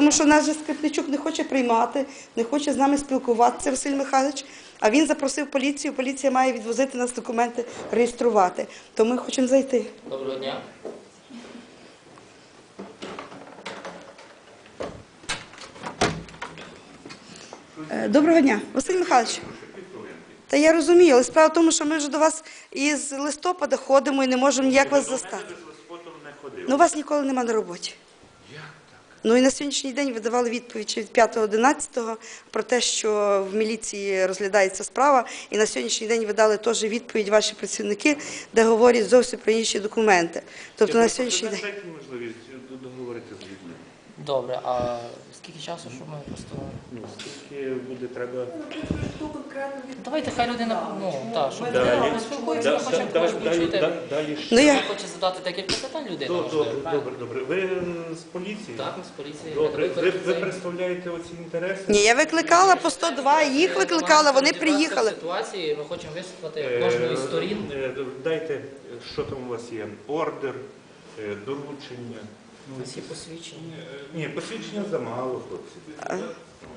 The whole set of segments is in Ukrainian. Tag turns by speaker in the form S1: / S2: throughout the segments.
S1: Тому що нас же Скрипничук не хоче приймати, не хоче з нами спілкуватися, Василь Михайлович, а він запросив поліцію, поліція має відвозити нас документи, реєструвати. То ми хочемо зайти.
S2: Доброго дня.
S1: Доброго дня, Василь Михайлович. Та я розумію, але справа в тому, що ми вже до вас із листопада ходимо і не можемо ніяк вас застати. Ну, вас ніколи нема на роботі. Ну і на сьогоднішній день ви давали відповідь від 5.11 про те, що в міліції розглядається справа, і на сьогоднішній день ви дали теж відповідь ваші працівники, де говорять зовсім про інші документи. Тобто на сьогоднішній день...
S3: Дайте можливість договорити з людьми.
S2: Добре, а скільки часу, щоб ми просто...
S3: Ну, скільки буде треба...
S2: Давайте, хай людина, щоб
S3: Далі.
S2: людина поспілкується, ми хочемо також почути.
S3: Далі
S1: Ну, я...
S2: Хоче задати декілька питань людина.
S3: Добре. Ви з поліції?
S2: Так, з поліції.
S3: Добре. Ви представляєте оці інтереси?
S1: Ні, я викликала по 102, їх викликала, вони приїхали.
S2: В ситуації ми хочемо вислухати кожної з сторін.
S3: Дайте, що там у вас є? Ордер, доручення.
S2: Всі посвідчення.
S3: Ні, посвідчення замало, хлопці.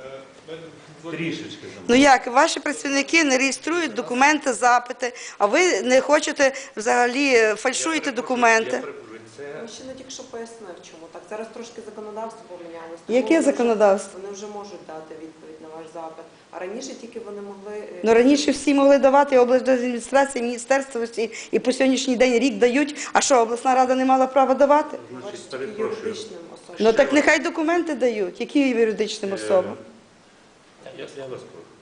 S3: Трішечки замало.
S1: Ну як, ваші працівники не реєструють документи, запити, а ви не хочете взагалі, фальшуєте документи.
S4: Мужчина тільки що пояснив, чому так. Зараз трошки законодавство помінялось.
S1: Яке законодавство?
S4: Вони вже можуть дати відповідь на ваш запит. А раніше тільки вони могли...
S1: Ну раніше всі могли давати, облдержадміністрація, міністерство і по сьогоднішній день рік дають. А що, обласна рада не мала права давати?
S3: Значить, перепрошую.
S4: юридичним особам.
S1: Ну так нехай документи дають. Яким юридичним особам?
S3: Я вас прошу.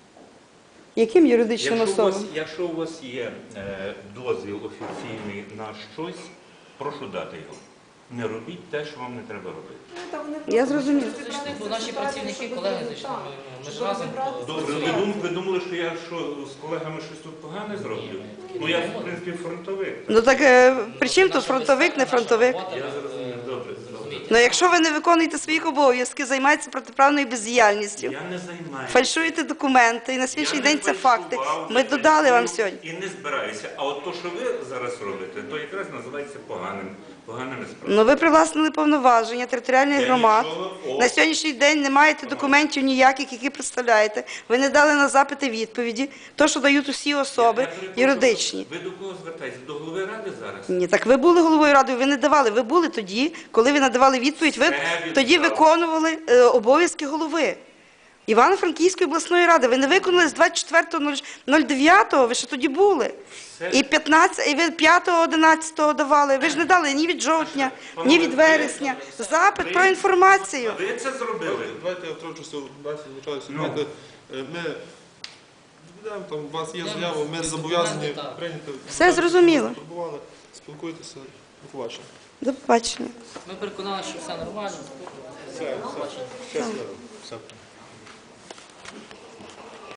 S1: Яким юридичним особам?
S3: Якщо у вас є дозвіл офіційний на щось, прошу дати його. Не робіть те, що вам не треба робити.
S4: Ну, та вони
S1: Я
S4: просто
S1: зрозуміла.
S4: хочуть
S2: Зайшли, бо
S4: розібратися
S2: наші
S4: в ситуації,
S2: працівники,
S4: щоб
S2: колеги
S4: розібратися.
S2: зайшли, ми ж
S4: Щоб
S2: разом
S4: розібратися в
S3: Добре,
S4: ситуації.
S3: ви думали, що я з колегами щось тут погане зроблю? Ну я, в принципі, фронтовик.
S1: Ну так при чим тут фронтовик, не фронтовик?
S3: Я зрозумів, добре.
S1: Ну якщо ви не виконуєте своїх обов'язків, займаєтеся протиправною бездіяльністю,
S3: Я не займаюся.
S1: фальшуєте документи, і на сьогоднішній
S3: Я
S1: день
S3: не
S1: це факти.
S3: фальшував,
S1: Ми
S3: не
S1: додали вам
S3: фальшую
S1: сьогодні.
S3: І не збираюся. А от то, що ви зараз робите, то якраз називається поганими справами.
S1: Ну ви привласнили повноваження територіальних
S3: Я
S1: громад.
S3: нічого-
S1: На сьогоднішній день не маєте документів ніяких, які представляєте. Ви не дали на запити відповіді. То, що дають усі особи
S3: Я перепрошую,
S1: юридичні.
S3: Ви до кого звертаєтесь? До голови ради зараз?
S1: Ні, так ви були головою ради, ви не давали. Ви були тоді, коли ви надавали відповідь, ви тоді виконували обов'язки голови Івано-Франківської обласної ради. Ви не виконали з 24.09, ви ще тоді були. І 5.11 давали. Ви ж не дали ні від жовтня, ні від вересня. Запит про інформацію.
S3: Ви це зробили?
S5: Давайте я втручуся, звичайно, ми відповідаємо, там у вас є заява, ми зобов'язані прийняти.
S1: Все зрозуміло.
S5: Турбували, спілкуйтеся, до побачення.
S1: До побачення.
S2: Ми переконали, що все нормально.
S5: Все.